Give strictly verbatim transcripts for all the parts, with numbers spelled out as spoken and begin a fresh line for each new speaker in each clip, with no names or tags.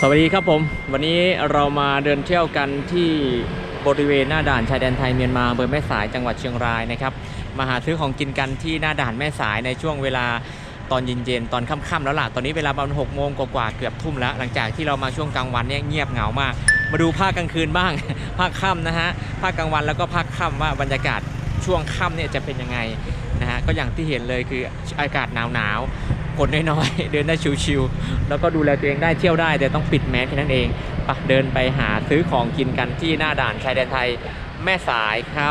วัสดีครับผมวันนี้เรามาเดินเที่ยวกันที่บริเวณหน้าด่านชายแดนไทยเมียนมาอำเภอแม่สายจังหวัดเชียงรายนะครับมาหาซื้อของกินกันที่หน้าด่านแม่สายในช่วงเวลาตอนเย็นๆตอนค่ำๆแล้วล่ะตอนนี้เวลาประมาณหกโมงกว่าๆเกือบทุ่มแล้วหลังจากที่เรามาช่วงกลางวันเนี่ยเงียบเหงามากมาดูภาคกลางคืนบ้าง ภาคค่ำนะฮะภาคกลางวันแล้วก็ภาคค่ำว่าบรรยากาศช่วงค่ำเนี่ยจะเป็นยังไงนะฮะก็อย่างที่เห็นเลยคืออากาศหนาวๆคนน้อยๆเดินได้ชิวๆแล้วก็ดูแลตัวเองได้เที่ยวได้แต่ต้องปิดแมสแค่นั้นเองปะเดินไปหาซื้อของกินกันที่หน้าด่านชายแดนไทยแม่สายครับ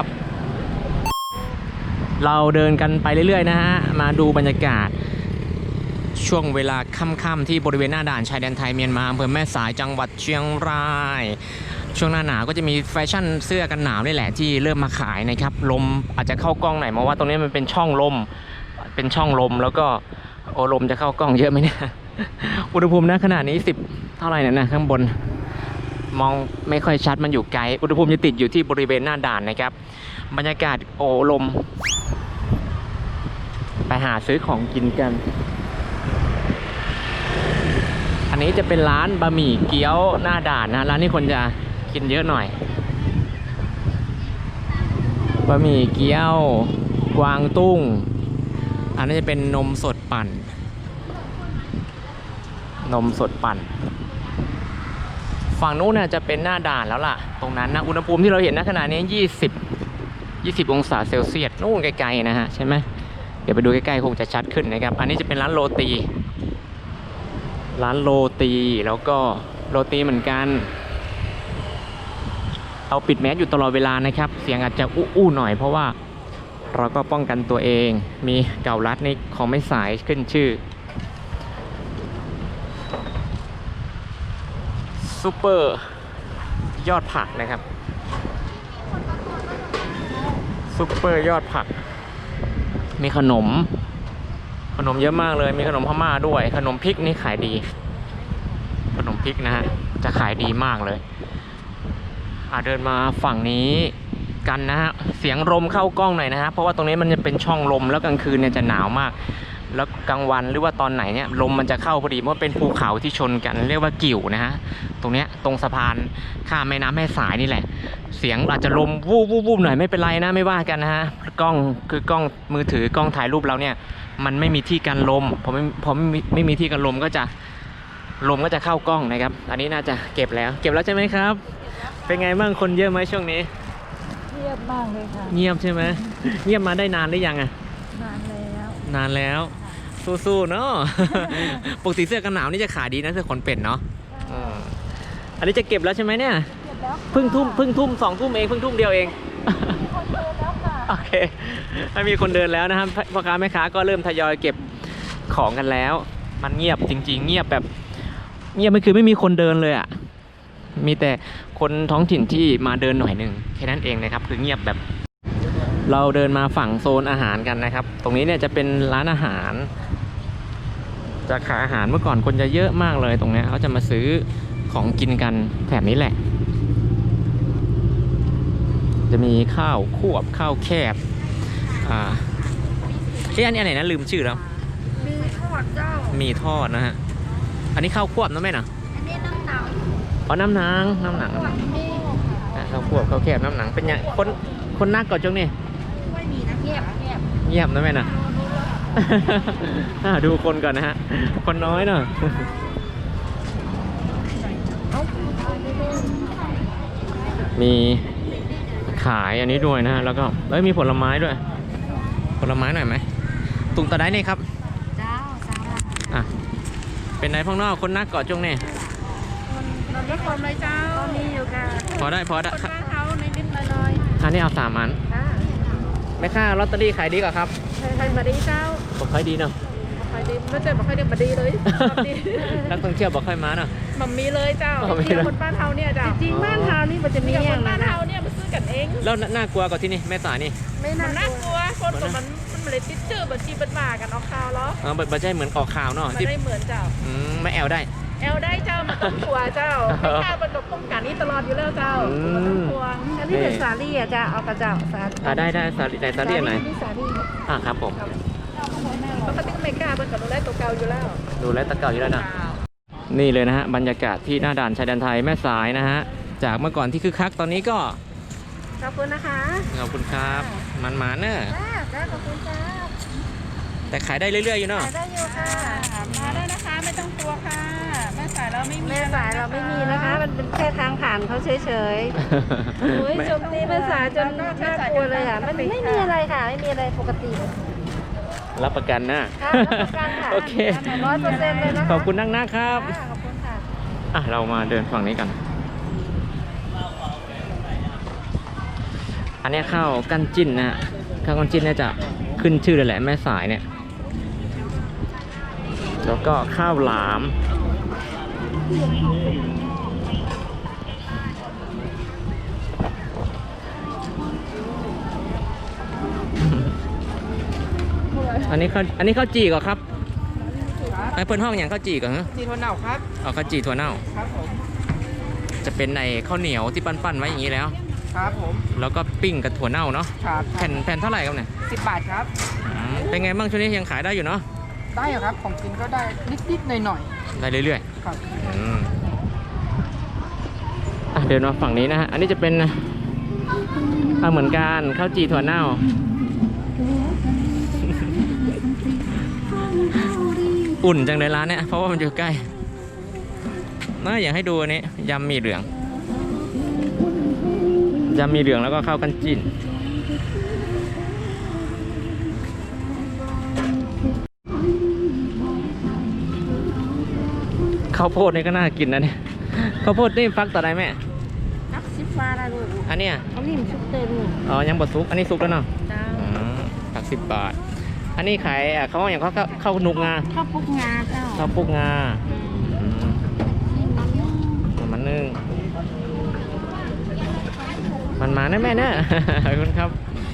เราเดินกันไปเรื่อยๆนะฮะมาดูบรรยากาศช่วงเวลาค่ำๆที่บริเวณหน้าด่านชายแดนไทยเมียนมาอำเภอแม่สายจังหวัดเชียงรายช่วงหน้าหนาวก็จะมีแฟชั่นเสื้อกันหนาวนี่แหละที่เริ่มมาขายนะครับลมอาจจะเข้ากล้องหน่อยเพราะว่าตรงนี้มันเป็นช่องลมเป็นช่องลมแล้วก็โอลมจะเข้ากล้องเยอะไหมเนี่ย อุณหภูมิณขณะนี้สิบเท่าไหร่เนี่ยนะข้างบนมองไม่ค่อยชัดมันอยู่ไกลอุณหภูมิจะติดอยู่ที่บริเวณหน้าด่านนะครับบรรยากาศโอลมไปหาซื้อของกินกันอันนี้จะเป็นร้านบะหมี่เกี๊ยวหน้าด่านนะร้านนี้คนจะกินเยอะหน่อยบะหมี่เกี๊ยวกวางตุ้งอันนี้จะเป็นนมสดปั่นนมสดปั่นฝั่งนู้นน่ะจะเป็นหน้าด่านแล้วล่ะตรงนั้นนะอุณหภูมิที่เราเห็นณขณะนี้ยี่สิบ ยี่สิบองศาเซลเซียสนู่นไกลๆนะฮะใช่ไหมเดี๋ยวไปดูใกล้ๆคงจะชัดขึ้นนะครับอันนี้จะเป็นร้านโรตีร้านโรตีแล้วก็โรตีเหมือนกันเราปิดแมสอยู่ตลอดเวลานะครับเสียงอาจจะอู้ๆหน่อยเพราะว่าเราก็ป้องกันตัวเองมีเก่าลัดนี่ของไม่สายขึ้นชื่อซูเปอร์ยอดผักนะครับซูเปอร์ยอดผักมีขนมขนมเยอะมากเลยมีขนมพม่าด้วยขนมพริกนี่ขายดีขนมพริกนะฮะจะขายดีมากเลยอ่าเดินมาฝั่งนี้กันนะฮะเสียงลมเข้ากล้องหน่อยนะฮะเพราะว่าตรงนี้มันจะเป็นช่องลมแล้วกลางคืนเนี่ยจะหนาวมากแล้วกลางวันหรือว่าตอนไหนเนี่ยลมมันจะเข้าพอดีเพราะเป็นภูเขาที่ชนกันเรียกว่ากิ่วนะฮะตรงเนี้ยตรงสะพานข้ามแม่น้ำแม่สายนี่แหละเสียงอาจจะลมวูบวูบหน่อยไม่เป็นไรนะไม่ว่ากันนะฮะกล้องคือกล้องมือถือกล้องถ่ายรูปเราเนี่ยมันไม่มีที่กันลมพอไม่พอไม่มีไม่มีที่กันลมก็จะลมก็จะเข้ากล้องนะครับอันนี้น่าจะเก็บแล้วเก็บแล้วใช่ไหมครับเป็นไงบ้างคนเยอะไหมช่วงนี้
เงียบมากเลยค่ะ
เงียบใช่ไหมเงียบมาได้นานหรือยังอะ
นานแล้ว
นานแล้วสู้ๆเนาะ ปกติเสื้อกันหนาวนี่จะขายดีนะเสื้อขนเป็ดเนาะอันนี้จะเก็บแล้วใช่ไหมเนี่ย
เก็บแล้ว
เพิ่งทุ่มเพิ่งทุ่มสองทุ่มเองเพิ่งทุ่มเดียวเอง
คนเดินแล้วค่ะ
โอเคไม่มีคนเดินแล้วนะครับพ่อค้าแม่ค้าก็เริ่มทยอยเก็บของกันแล้วมันเงียบจริงๆเงียบแบบเงียบไม่คือไม่มีคนเดินเลยอ่ะมีแต่คนท้องถิ่นที่มาเดินหน่อยหนึ่งแค่นั้นเองนะครับคือเงียบแบบเราเดินมาฝั่งโซนอาหารกันนะครับตรงนี้เนี่ยจะเป็นร้านอาหารจะขายอาหารเมื่อก่อนคนจะเยอะมากเลยตรงนี้เขาจะมาซื้อของกินกันแถบนี้แหละจะมีข้าวควบข้าวแคบอ่าเอ๊ะอันนี้อันไหนนะลืมชื่อแล้ว
มีทอดเจ้า
มีทอดนะฮะอันนี้ข้าวควบนะแม่นะ
อันนี้น้ำหนัง
อ๋อน้ำหนังน้ำหนังข้าวควบข้าวแคบน้ำหนังเป็นยังคนคนนักก่อนจังนี่
ไม่มีนะเงียบเงียบ
เงียบนะแม่นะ ดูคนก่อนนะฮะคนน้อยเนาะมีขายอันนี้ด้วยนะฮะแล้วก็เอ้ยมีผลไม้ด้วยผลไม้หน่อยไหมตุงตะได้นี่ครับ
เจ้าเจ้า
อ่ะเป็นไหนพ่องนอกคนนักก่อนจังนี่
มันรถความเลยเจ้ามีอยู่ค่ะ
พอได้พอได้
คนบ้านเขาในนิดหน่อย
อันนี้เอาสามอันแม่ค้าลอตเตอรี่ขายดีกว่าครับ
ใครมาดีเจ้า
บอกค่อยดีเนาะ
บอกค่อยดีไม่ใช่บอกค่อยดีมาดีเลย
นักท่องเที่ยวบอกค่อยมาเนาะ
มันมีเลยเจ้าเที่ยวคนบ้านเฮาเนี่ยเจ้าจริงบ้านเฮานี่มันจะมีอย่างบ้านเฮาเนี่ยมาซื้อกันเอง
แล้วน่ากลัวกว่าที่นี่แม่สายนี่
ไม่น่ากลัวคนตัวมันมันเลยติดชื่อบัญชีบัญมากันออกข่าวเหรอ
อ๋อบัญชีเหมือนออกข่าวเนาะ
ไม่ได้เหมือนเจ้า
อืมไม่แอลได้
แอลได้เจ้ามาต้องกลัวเจ้าไม่กล้าบรรจบป้องกันนี้ตลอดอยู่แล้วเจ้ามาต้องกลัวอันนี้เป็นสาลี่อ่ะเจ้าเอากระเจ้าสาลี่
อ่าได้ได้สาลี่ไหนสาลี่ไหน
สาลี่
อ่าครับผม
ปกติไม่กล้าบรรจบดูแลตัวเก่าอยู่แล้ว
ดูแลตัวเก่าอยู่แล้วนะนี่เลยนะฮะบรรยากาศที่หน้าด่านชายแดนไทยแม่สายนะฮะจากเมื่อก่อนที่คึกคักตอนนี้ก็
ขอบคุณนะคะ
ขอบคุณครับมันมาเนอะ
จ้าจ้าขอบคุณจ้า
แต่ขายได้เรื่อยๆอยู่เนาะ
ขายได้อยู่ค่ะ
มาได้นะคะไม่ต้องกลัวค่ะแม่สายเราไม่มี
แม่สายเราไม่มีนะคะ มันเป็นแค่ทางผ่านเขาเฉยๆโอ้ย
ไม่
โจมตีแม่สายจนน่ากลัวเลยอ่ะ มันไม่มีอะไรค่ะ ไม่มีอะไรปกติ
รับประกันนะ
ค่ะรับประกันค่ะ
โอเค
ร้อยเปอร์เซ็นต์เลยนะคะ
ขอบคุณนักนะครับ
ค่ะขอบคุณค่ะ
อ่ะเรามาเดินฝั่งนี้กัน อันนี้ข้าวกั้นจิ้นนะฮะข้าวกั้นจิ้นเนี่ยจะขึ้นชื่อเลยแหละแม่สายเนี่ย แล้วก็ข้าวหลาม อันนี้ข้าวอันนี้ข้าวจี่ก่อนครับไอ้เปิ้นห้องอย่างข้าวจี่ก่อนฮะ
จีนวันเหนาครับ
เอาข้าวจี่ถั่วเน่า
ครับผม
จะเป็นในข้าวเหนียวที่ปั้นๆไว้อย่างนี้แล้ว
ครับผม
แล้วก็ปิ้งกับถั่วเน่าเนาะ
ครับ
แผ่นแผ่นเท่าไหร่ครับเนี่ย
สิบบาทครับ
อืมเป็นไงบ้างช่วงนี้ยังขายได้อยู่เนาะ
ได้ครับของกินก็ได้นิดๆหน่อย
ได้เรื่อย
ๆครับ
ๆอืมอ่ะเดินมาฝั่งนี้นะฮะ อันนี้จะเป็นข้าวเหมือนกันข้าวจี่ถั่วเน่า อุ่นจังเลยร้านเนี้ยเพราะว่ามันอยู่ใกล้น่าอยากให้ดูอันนี้ยำหมี่เหลืองยำหมี่เหลืองแล้วก็ข้าวกันจิ้นข้าวโพดนี่ก็น่ากินนะเนี่ยข้าวโพดนี่ฟักต่อได้ไหม
นักซิฟ้าได้ลูก
อันเนี้ย
เขานิ่มชุบเต้น
อ๋อยังบดซุกอันนี้ซุกแล้วเนาะ
จ้า
อืมฟักสิบบาท อันนี้ขายอ่ะเขาอย่างเขาข้าวนุกงา
ข้าวปุกงาเจ้า
ข้าวปุกงาอืมมันนึ่งมันมาแน่แม่เนอะ ขอบคุณครับ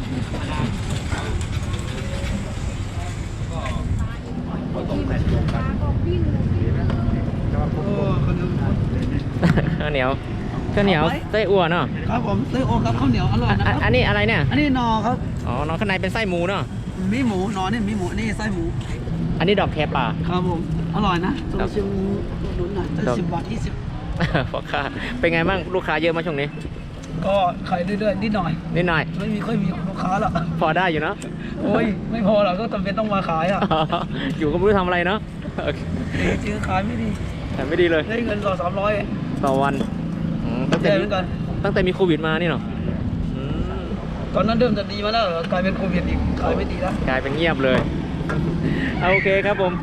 ข้าวเหนียวข้าวเหนียวไส้อั่วเนาะ
ครับผมไส้โอครับข้าวเหนียวอร่อยนะ
อ่ะ
ครับ
อันนี้อะไรเนี่ย
อันนี้นอครับ
อ๋อน้องข้างในเป็นไส้หมูเนาะ
มีหมูนอนี่มีหมูนี่ไส้หมู
อันนี้ดอกแคป่า
ครับผมอร่อยนะ
ครับ
ชิมดุนหน่อยจะ
ครับ
สิบบาทยี่สิบ
พ่อค้าเป็นไงบ้างลูกค้าเยอะมาช่วงนี้
ก็ขายเรื่อยๆนิดหน่อย
นิดหน่อย
ไม่มีค่อยมีลูกค้าหรอก
พอได้อยู่เนาะ
โอ้ยไม่พอหรอกก็จำเป็นต้องมาขายอ่ะ
อยู่ก็ไม่รู้ทำอะไรเนาะโอเค
จริงๆขายไม่ดี
แต่ไม่ดีเลย
ได้เงินสองสามร้อย
ต่อวันอืมตั้งแต่
แย่
มี
เหมือนกัน
ตั้งแต่มีโควิดมานี่เนาะอืม
ตอนนั้นเริ่มจะดีมาแล้วกลายเป็นโควิดอีกขายไม่ดีแล้ว
กลายเป็นเงียบเลยเอาโอเคครับผม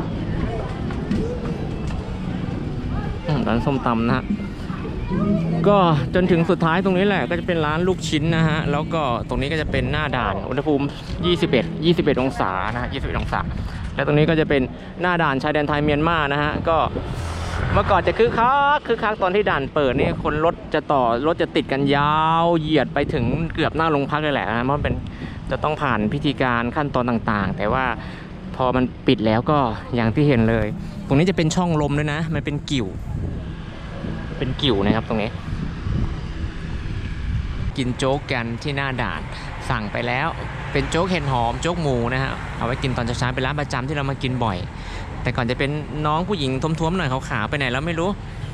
อืมร้านส้มตำนะฮะก็จนถึงสุดท้ายตรงนี้แหละก็จะเป็นร้านลูกชิ้นนะฮะแล้วก็ตรงนี้ก็จะเป็นหน้าด่านอุณหภูมิยี่สิบเอ็ด ยี่สิบเอ็ดองศานะฮะยี่สิบเอ็ดองศาแล้วตรงนี้ก็จะเป็นหน้าด่านชายแดนไทยเมียนมานะฮะก็เมื่อก่อนจะคึกคักคึกคักตอนที่ด่านเปิดนี่คนรถจะต่อรถจะติดกันยาวเหยียดไปถึงเกือบหน้าโรงพักเลยแหละนะเพราะมันเป็นจะต้องผ่านพิธีการขั้นตอนต่างๆ แต่ว่าพอมันปิดแล้วก็อย่างที่เห็นเลย ตรงนี้จะเป็นช่องลมด้วยนะมันเป็นกิ่วเป็นกิ่วนะครับตรงนี้ กินโจ๊กกันที่หน้าด่านสั่งไปแล้วเป็นโจ๊กเห็ดหอมโจ๊กหมูนะฮะเอาไว้กินตอนเช้าๆเป็นร้านประจำที่เรามากินบ่อย แต่ก่อนจะเป็นน้องผู้หญิงท้วมๆหน่อยขาวๆไปไหนแล้วไม่รู้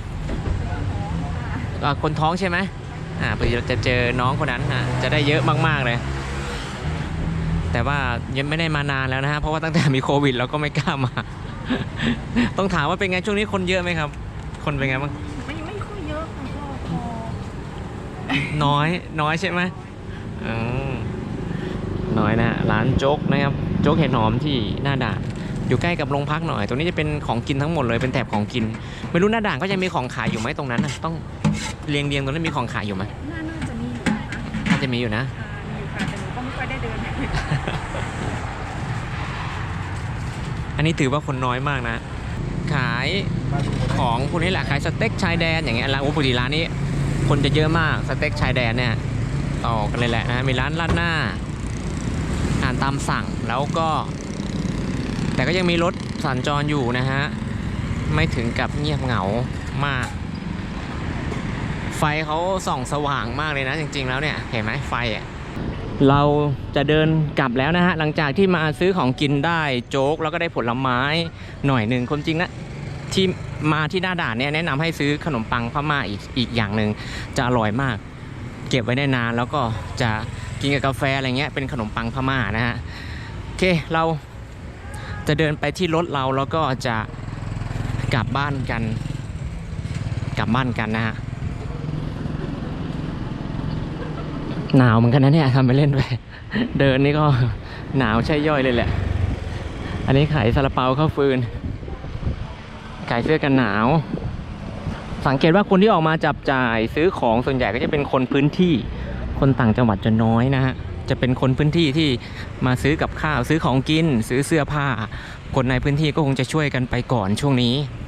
อ่าคนท้องใช่ไหมอ่าพอดีเราจะเจอน้องคนนั้นฮะจะได้เยอะมากๆเลย แต่ว่ายังไม่ได้มานานแล้วนะฮะเพราะว่าตั้งแต่มีโควิดเราก็ไม่กล้ามา ต้องถามว่าเป็นไงช่วงนี้คนเยอะไหมครับ คนเป็นไงบ้าง
ไม่ไม่ค่อยเยอะค่ะก็พอ
น้อยน้อยใช่ไหมอืมน้อยนะฮะร้านโจ๊กนะครับโจ๊กเห็ดหอมที่หน้าด่านอยู่ใกล้กับโรงพักหน่อยตรงนี้จะเป็นของกินทั้งหมดเลยเป็นแถบของกินไม่รู้หน้าด่านก็ยังมีของขายอยู่ไหมตรงนั้นนะต้องเรียงเรียงๆตรงนั้นมีของขายอยู่ไหม
น่าน่าจะมีอยู่นะคะ
น่าจะมีอยู่นะ
อ่ามีอยู่ค่ะแต่หนูก็ไม่ค่อยได้เดิน
อันนี้ถือว่าคนน้อยมากนะ ขายของพวกนี้แหละขายสเต็กชายแดนอย่างเงี้ยร้านโอ้ปกติร้านนี้คนจะเยอะมากสเต็กชายแดนเนี่ยต่อกันเลยแหละนะมีร้านราดหน้าอาหารตามสั่งแล้วก็ แต่ก็ยังมีรถสัญจรอยู่นะฮะไม่ถึงกับเงียบเหงามาก ไฟเขาส่องสว่างมากเลยนะจริงๆแล้วเนี่ยเห็นไหมไฟอ่ะเราจะเดินกลับแล้วนะฮะหลังจากที่มาซื้อของกินได้โจ๊กแล้วก็ได้ผลไม้หน่อยหนึ่งคนจริงนะที่มาที่หน้าด่านเนี่ยแนะนำให้ซื้อขนมปังพม่าอีกอีกอย่างหนึ่งจะอร่อยมาก เก็บไว้ได้นานแล้วก็จะกินกับกาแฟอะไรเงี้ยเป็นขนมปังพม่านะฮะโอเคเราจะเดินไปที่รถเราแล้วก็จะกลับบ้านกันกลับบ้านกันนะฮะหนาวเหมือนกันนะเนี่ยทำไปเล่นไป เดินนี่ก็หนาวใช่ย่อยเลยแหละ อันนี้ขายซาลาเปาข้าวฟืนขายเสื้อกันหนาวสังเกตว่าคนที่ออกมาจับจ่ายซื้อของส่วนใหญ่ก็จะเป็นคนพื้นที่คนต่างจังหวัดจะน้อยนะฮะจะเป็นคนพื้นที่ที่มาซื้อกับข้าวซื้อของกินซื้อเสื้อผ้าคนในพื้นที่ก็คงจะช่วยกันไปก่อนช่วงนี้